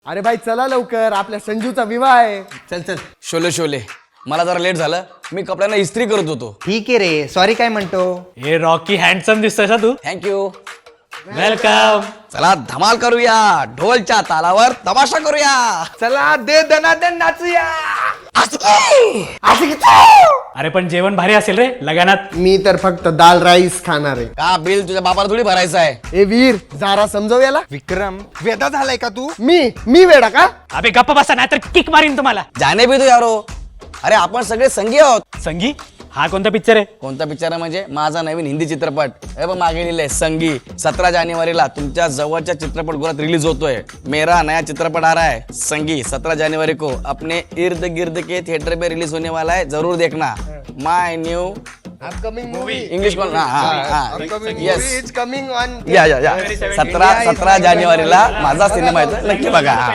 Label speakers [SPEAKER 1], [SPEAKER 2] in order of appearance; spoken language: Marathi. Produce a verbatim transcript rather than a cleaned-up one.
[SPEAKER 1] अरे भाई चला लवकर, आपल्या संजूचा विवाह आहे.
[SPEAKER 2] चल चल.
[SPEAKER 3] शोले शोले मला जरा लेट झालं, मी कपड्यांना इस्त्री करत होतो.
[SPEAKER 2] ठीक आहे रे, सॉरी काय म्हणतो.
[SPEAKER 4] हे रॉकी हँडसम दिसतोय ना तू.
[SPEAKER 3] थँक्यू.
[SPEAKER 4] वेलकम.
[SPEAKER 3] चला धमाल करूया, ढोलच्या तालावर तमाशा करूया.
[SPEAKER 2] चला दे दनादन नाचूया.
[SPEAKER 4] अरे पण जेवण भारी असेल रे लगानात.
[SPEAKER 1] मी तर फक्त दाल राईस खाणार आहे.
[SPEAKER 3] का बिल तुझ्या बापाला थोडी भरायचं आहे.
[SPEAKER 1] ए वीर जरा समजव याला.
[SPEAKER 2] विक्रम वेदा झालाय का तू.
[SPEAKER 1] मी मी वेडा का.
[SPEAKER 4] अबे गप्प बसा नाहीतर किक मारीन तुम्हाला.
[SPEAKER 3] जाने भी तू यारो. अरे आपण सगळे संगी आहोत.
[SPEAKER 4] संगी हा कोणता पिक्चर आहे.
[SPEAKER 3] कोणता पिक्चर आहे म्हणजे माझा नवीन हिंदी चित्रपट. हे बघ मागे लिहिलंय संगी. सतरा जानेवारीला तुमच्या जवळच्या चित्रपटगृहात रिलीज होतोय. मेरा नया चित्रपट आ रहा है संगी. सत्रह जनवरी को अपने इर्द गिर्द के थिएटर में रिलीज होने वाला है, जरूर देखना. My new
[SPEAKER 1] upcoming movie
[SPEAKER 3] English call yes
[SPEAKER 1] is coming on.
[SPEAKER 3] या या या सतरा सतरा जानेवारीला माझा सिनेमा येतो, नक्की बघा.